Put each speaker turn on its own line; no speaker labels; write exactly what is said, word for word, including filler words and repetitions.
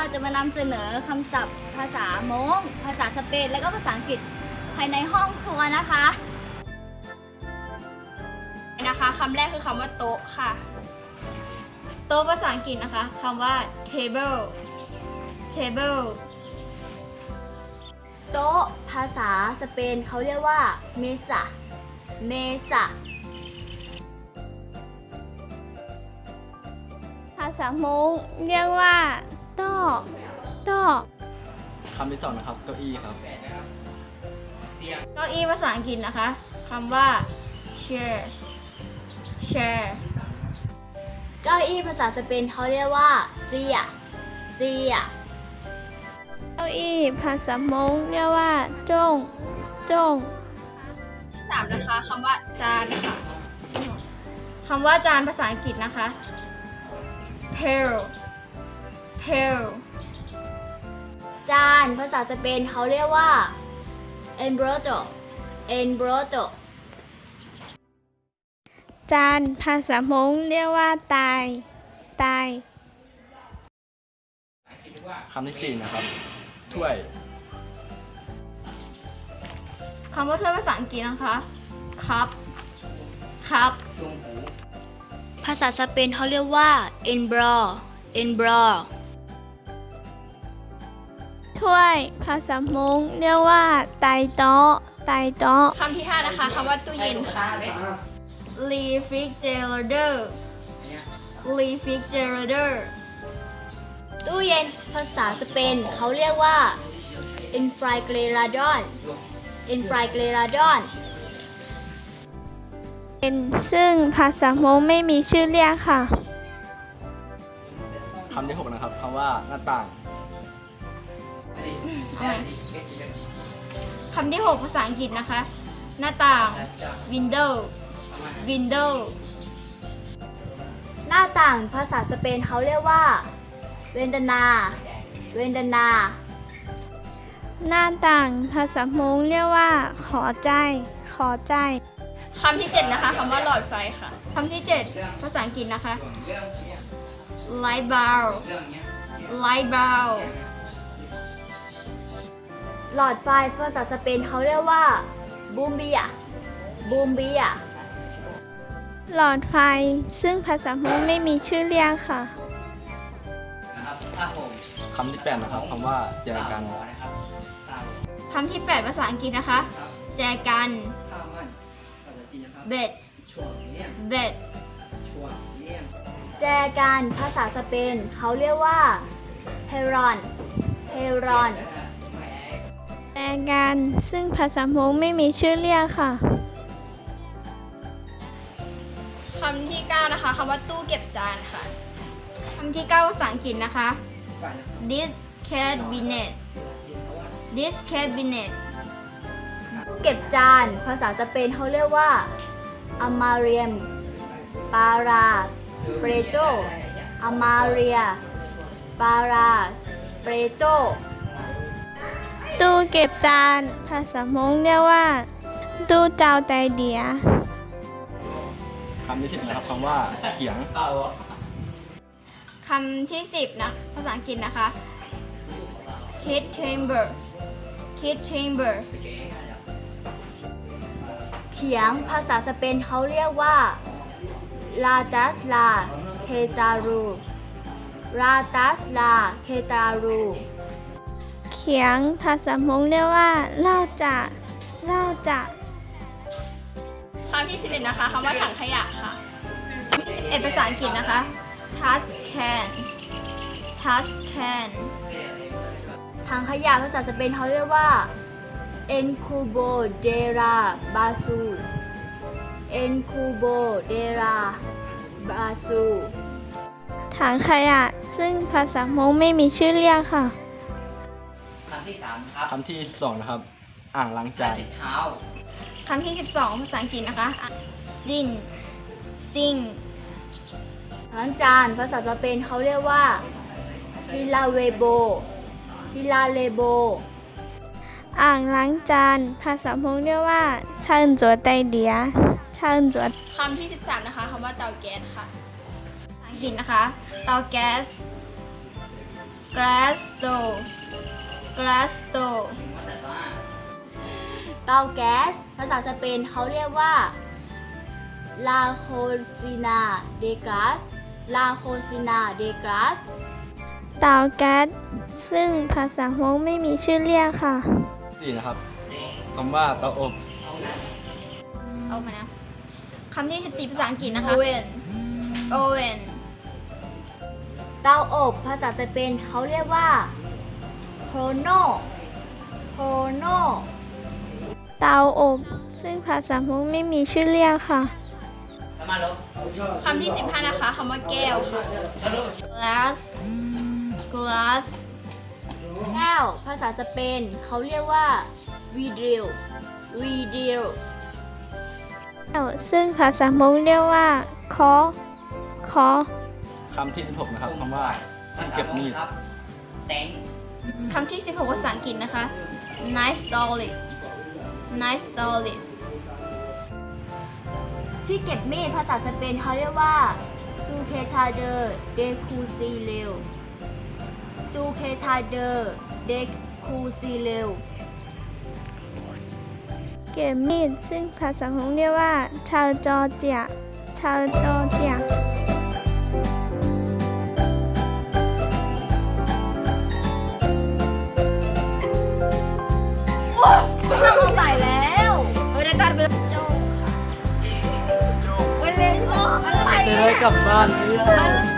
จะมานำเสนอคำศัพท์ภาษาม้งภาษาสเปนและก็ภาษาอังกฤษภายในห้องครัวนะคะ
นะคะคำแรกคือคำว่าโต๊ะค่ะโต๊ะภาษาอังกฤษนะคะคำว่า table table
โต๊ะภาษาสเปนเขาเรียกว่าเมซาเมซา
ภาษามงเรียกว่าโต๊ะโต๊ะ
คำที่สองนะครับเก้าอี้ครับ
เก้าอี้ภาษาอังกฤษนะคะคำว่า chair chair
เก้าอี้ภาษาสเปนเขาเรียกว่าเซียเซีย
เก้าอี้ภาษามงเรียกว่าจงจง
สามนะคะคำว่าจานค่ะคำว่าจานภาษาอังกฤษนะคะ pail pail
จานภาษาสเปนเขาเรียกว่า embroto embroto
จานภาษามงเรียกว่าตายตาย
คำที่สี่นะครับถ้วย
คำว่าถ้วยภาษาอังกฤษนะคะ cup cup
ภาษาสเปนเขาเรียกว่า embro embro
ถ้วยภาษามงเรียกว่าไตโต๊ะไตโต๊ะ
คำที่ห้านะคะคำว่าตู้เย็นค่ะ refrigerator refrigerator
ตู้เย็นภาษาสเปนเขาเรียกว่า enfrigerador enfrigerador
เป็นซึ่งภาษามงไม่มีชื่อเรียกค่ะ
คำที่หกนะครับคำว่าหน้าต่าง
คำที่หกภาษาอังกฤษนะคะ หน้าต่าง window window
หน้าต่างภาษาสเปนเขาเรียกว่า ventana ventana
หน้าต่างภาษามงเรียกว่าขอใจขอใจ
คำที่เจ็ดนะคะคำว่าหลอดไฟค่ะคำที่เจ็ดภาษาอังกฤษนะคะ light bulb light bulb
หลอดไฟภาษาสเปนเขาเรียกว่า bumbia bumbia
หลอดไฟซึ่งภาษามงไม่มีชื่อเรียกค่ะ
คำที่แปดนะครับคำว่าแจกัน
คำที่แปดภาษาอังกฤษนะคะ แจกัน bed bed
แจกันภาษาสเปนเขาเรียกว่า heron heron
แต่กันซึ่งภาษามงไม่มีชื่อเรียกค่ะ
คำที่เก้านะคะคำว่าตู้เก็บจานค่ะคำที่เก้าภาษาอังกฤษนะคะ this cabinet this cabinet
เก็บจานภาษาสเปนเขาเรียกว่า amarium para preto amaria para preto
ตู้เก็บจานภาษามงเรียกว่า ตู้เจ้าไตเดีย
คำที่สิบนะครับคำว่าเขียง
คำที่สิบนะภาษาอังกฤษนะคะ kid chamber kid chamber
เขียงภาษาสเปนเขาเรียกว่า la tas la ketaru la tas la ketaru
เขียงภาษามงเรียกว่าเล่าจะเล่าจะ
คำที่สิบเอ็ดนะคะคำว่าถังขยะค่ะเอ็ดภาษาอังกฤษนะคะ trash can trash can
ถังขยะภาษาสเปนเขาเรียกว่า encubo de la basura encubo de la basura
ถังขยะซึ่งภาษามงไม่มีชื่อเรียกค่ะ
คำที่สามครับ
คำที่สิบสองนะครับอ่างล้างจาน
เท้า
คำที่สิบสองภาษาอังกฤษนะคะ sin sing
ล้างจานภาษาสเปนเขาเรียกว่า hilavebo hilavebo
อ่างล้างจานภาษามงเรียกว่าเชิญจัวไตเดียเชิญจัว
คำที่สิบสามนะคะคำว่าเตาแก๊สค่ะภาษาอังกฤษนะคะ เตาแก๊ส glass stove glass stove
เตาแก๊สภาษาสเปนเขาเรียกว่า La cocina de gas La cocina de gas
เตาแก๊สซึ่งภาษาฮกไม่มีชื่อเรียกค่ะ
สี่นะครับคำว่าเตาอบ
เอามานะคำที่สิบสี่ภาษาอังกฤษนะคะ oven oven
เตาอบภาษาสเปนเขาเรียกว่า Horno Horno
เตาอบ ซึ่งภาษาฮกไม่มีชื่อเรียกค่ะ
คำที่สิบห้านะคะคำว่าแก้วค่ะ glass glass
แก้วภาษาสเปนเขาเรียกว่า Vidrio Vidrio
ซึ่งภาษาฮกเรียกว่าคอคอ
คำที่สิบหกนะครับคำว่าที่เก็บมีด
เต็ง
คำที่สิบหกภาษาอังกฤษนะคะ knife solid knife solid
ที่เก็บมีดภาษาสเปนเขาเรียกว่า Sujetador de fusil Sujetador de fusil
เก็บมีด ซึ่งภาษาฮกเรียกว่า ชาวจอร์เจีย ชาวจอร์เจีย
ไม่ต้องใส่แล้วเฮ้ยได้การเป็นโจ้ค่ะเว้ยเล่นอะไร
เจอกลับบ้านเนี่ย
มัน